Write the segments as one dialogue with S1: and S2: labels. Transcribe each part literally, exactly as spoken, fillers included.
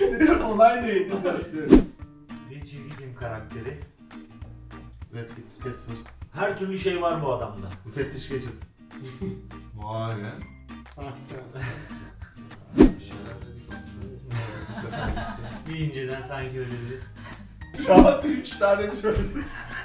S1: Olay neydi?
S2: Bir çizgi film karakteri.
S3: Red Kit, Casper.
S2: Her türlü şey var bu adamda.
S3: Müfettiş Gadget.
S1: Vay be.
S3: Bir şeyler Bu sefer işte.
S2: Bir inceden sanki öyle bir...
S1: Rahat üç tane söyledim.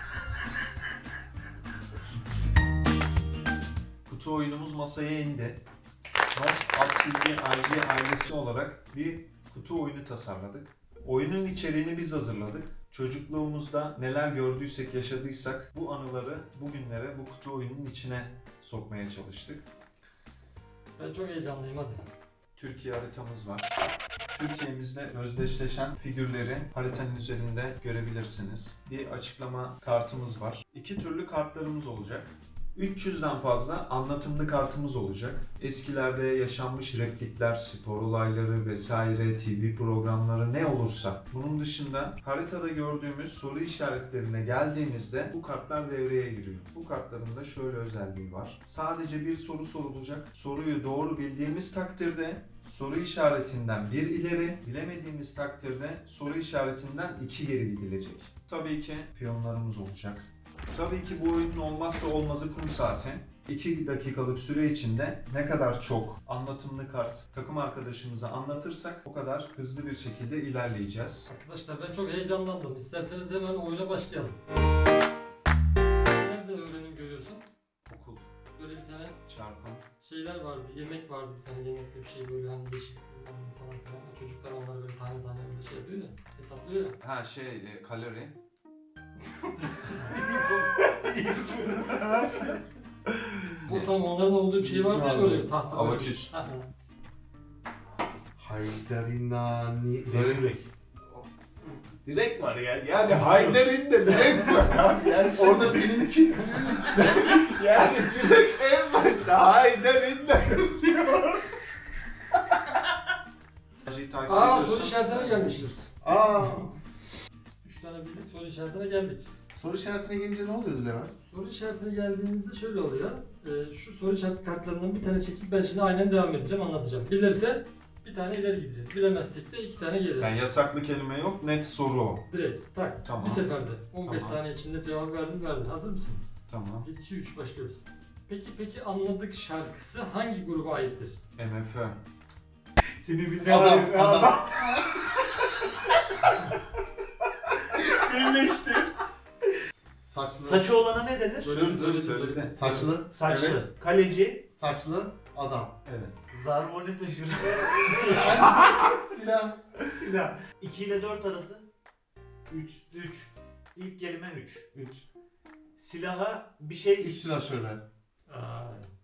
S1: Kutu oyunumuz masaya indi. Nos alt çizgi I G ailesi olarak bir kutu oyunu tasarladık. Oyunun içeriğini biz hazırladık. Çocukluğumuzda neler gördüysek, yaşadıysak bu anıları bugünlere bu kutu oyunun içine sokmaya çalıştık.
S4: Ben çok heyecanlıyım hadi.
S1: Türkiye haritamız var. Türkiye'mizde özdeşleşen figürleri haritanın üzerinde görebilirsiniz. Bir açıklama kartımız var. İki türlü kartlarımız olacak. üç yüzden fazla anlatımlı kartımız olacak. Eskilerde yaşanmış replikler, spor olayları vesaire, T V programları ne olursa. Bunun dışında haritada gördüğümüz soru işaretlerine geldiğimizde bu kartlar devreye giriyor. Bu kartların da şöyle özelliği var. Sadece bir soru sorulacak. Soruyu doğru bildiğimiz takdirde soru işaretinden bir ileri, bilemediğimiz takdirde soru işaretinden iki geri gidilecek. Tabii ki piyonlarımız olacak. Tabii ki bu oyunun olmazsa olmazı kum saati. iki dakikalık süre içinde ne kadar çok anlatımlı kart takım arkadaşımıza anlatırsak o kadar hızlı bir şekilde ilerleyeceğiz.
S4: Arkadaşlar ben çok heyecanlandım. İsterseniz hemen oyuna başlayalım. Nerede öğrenim görüyorsun?
S1: Okul,
S4: Böyle bir tane
S1: çarpım,
S4: şeyler vardı, yemek vardı, bir tane yemekli bir şey böyle hani değişik falan filan. Çocuklar onları böyle tane tane böyle şey yapıyor ya, hesaplıyor ya.
S1: ha şey e, kalori.
S4: Bu tam onların olduğu bir şey vardı ya böyle tahta böyle.
S1: Abaküs.
S4: Ha.
S3: Haydarinani.
S2: Böyle
S3: Böyle
S1: Direkt var ya. Yani Haydar'ın da direkt var abi. Yani
S3: orada filmdeki
S1: yani direkt en başta Haydar'ın da yazıyor.
S4: Aa soru işaretine gelmişiz.
S3: Aa.
S4: Üç tane bildik soru işaretine geldik.
S3: Soru işaretine gelince ne oluyordu Levent?
S4: Soru işaretine geldiğimizde şöyle oluyor. Ee, şu soru işareti kartlarından bir tane çekip ben şimdi aynen devam edeceğim, anlatacağım. Bilirse bir tane ileri gideceğiz. Bilemezsek de iki tane geri.
S1: Yani yasaklı kelime yok, net soru o.
S4: Direkt tak.
S1: Tamam.
S4: Bir seferde. on beş
S1: Tamam.
S4: saniye içinde cevap verdin verdin. Hazır mısın?
S1: Tamam.
S4: bir, iki, üç başlıyoruz. Peki peki anladık şarkısı hangi gruba aittir?
S1: M F Ö.
S2: Seni bir
S3: Adam, adam.
S1: Birleştir.
S3: Saçlı.
S2: Saçı olana ne denir?
S4: Söyledin söyledin
S1: söyledi.
S4: söyledin.
S3: Saçlı.
S2: Saçlı.
S1: Evet.
S2: Kaleci.
S3: Saçlı adam.
S1: Evet.
S2: Zarmoni taşır.
S3: Silah.
S2: Silah. iki ile dört arası. üç. üç. İlk kelime üç.
S1: üç.
S2: Silaha bir şey...
S3: Üç silah şöyle.
S4: Aa,